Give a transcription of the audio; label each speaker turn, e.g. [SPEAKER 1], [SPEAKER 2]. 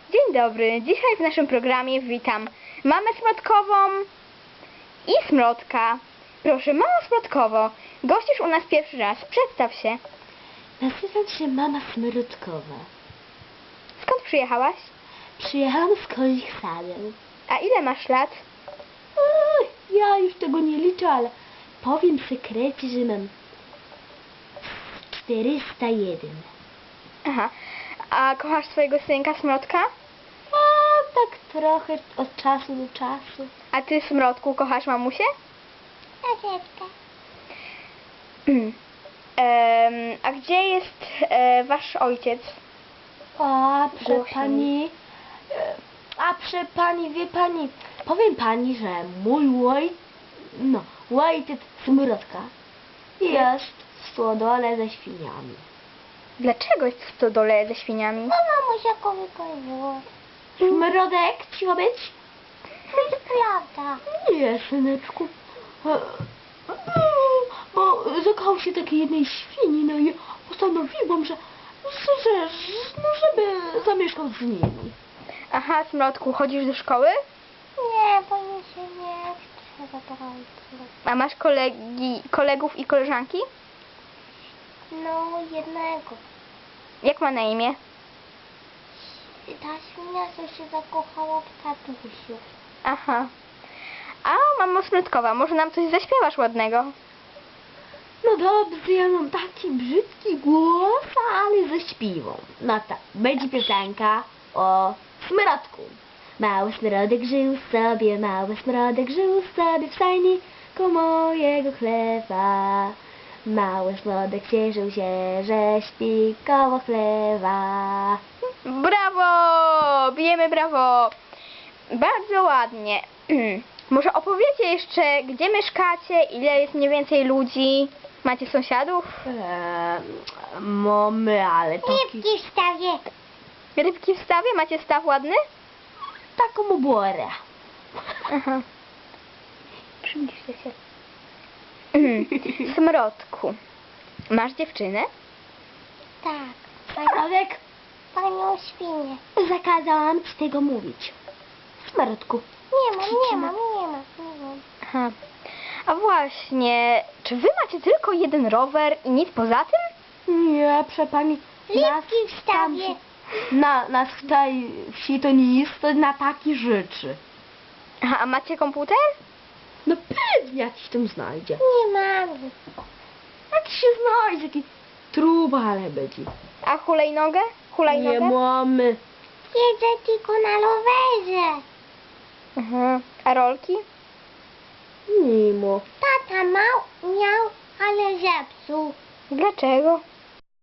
[SPEAKER 1] Dzień dobry. Dzisiaj w naszym programie witam mamę Smrotkową i Smrotka. Proszę, mamo Smrotkowo, gościsz u nas pierwszy raz. Przedstaw się.
[SPEAKER 2] Nazywam się mama Smrotkowa.
[SPEAKER 1] Skąd przyjechałaś?
[SPEAKER 2] Przyjechałam z Koźich Sadeł.
[SPEAKER 1] A ile masz lat?
[SPEAKER 2] Ja już tego nie liczę, ale powiem w sekrecie, że mam 401.
[SPEAKER 1] Aha. A kochasz swojego synka Smrotka?
[SPEAKER 2] A tak trochę od czasu do czasu.
[SPEAKER 1] A ty, Smrotku, kochasz mamusię?
[SPEAKER 2] Troszeczkę.
[SPEAKER 1] A gdzie jest wasz ojciec?
[SPEAKER 2] A
[SPEAKER 1] Głośniej.
[SPEAKER 2] prze pani, wie pani, powiem pani, że mój ojciec Smrotka jest w stodole ze świniami.
[SPEAKER 1] Dlaczego jest w stodole ze świniami?
[SPEAKER 2] Mamusia kołykowo. Smrodek, cicho być? To jest prawda. Nie, syneczku. Bo zakochał się takiej jednej świni, no i postanowiłam, żeby zamieszkał z nimi.
[SPEAKER 1] Aha, Smrotku, chodzisz do szkoły?
[SPEAKER 2] Nie, bo mi się nie chce za bardzo.
[SPEAKER 1] A masz kolegów i koleżanki?
[SPEAKER 2] No, jednego.
[SPEAKER 1] Jak ma na imię?
[SPEAKER 2] Ta świnia, co się zakochała w tatusiu.
[SPEAKER 1] Aha. A mamo Smrotkowa, może nam coś zaśpiewasz ładnego?
[SPEAKER 2] No dobrze, ja mam taki brzydki głos, ale zaśpiewam. No tak, będzie piosenka o smrodku. Mały smrodek żył sobie, mały smrodek żył sobie w stajniku mojego chlewa. Mały smrodek cieszył się, że śpi koło chlewa.
[SPEAKER 1] Brawo! Bijemy brawo! Bardzo ładnie. Może opowiecie jeszcze, gdzie mieszkacie, ile jest mniej więcej ludzi? Macie sąsiadów?
[SPEAKER 2] Mamy, ale taki... Rybki w stawie.
[SPEAKER 1] Rybki w stawie? Macie staw ładny?
[SPEAKER 2] Taką oborę.
[SPEAKER 1] Aha. Przybliżcie się. Smrotku, masz dziewczynę?
[SPEAKER 2] Tak. Smrodek? Panią świnię. Zakazałam ci tego mówić. Smrodku. Nie mam.
[SPEAKER 1] Aha. A właśnie, czy wy macie tylko jeden rower i nic poza tym?
[SPEAKER 2] Nie, proszę pani.
[SPEAKER 3] Rybki w stawie.
[SPEAKER 2] Nas w tej wsi to nie jest to na takie rzeczy.
[SPEAKER 1] Aha, a macie komputer?
[SPEAKER 2] No pewnie jakiś tam znajdzie.
[SPEAKER 3] Nie mam.
[SPEAKER 2] Jakiś się znajdzie, taki truba, ale będzie.
[SPEAKER 1] A hulajnogę?
[SPEAKER 2] Nie mamy.
[SPEAKER 3] Jeżdżę tylko na rowerze.
[SPEAKER 1] Aha. A rolki?
[SPEAKER 2] Nie ma.
[SPEAKER 3] Tata miał, ale zepsuł.
[SPEAKER 1] Dlaczego?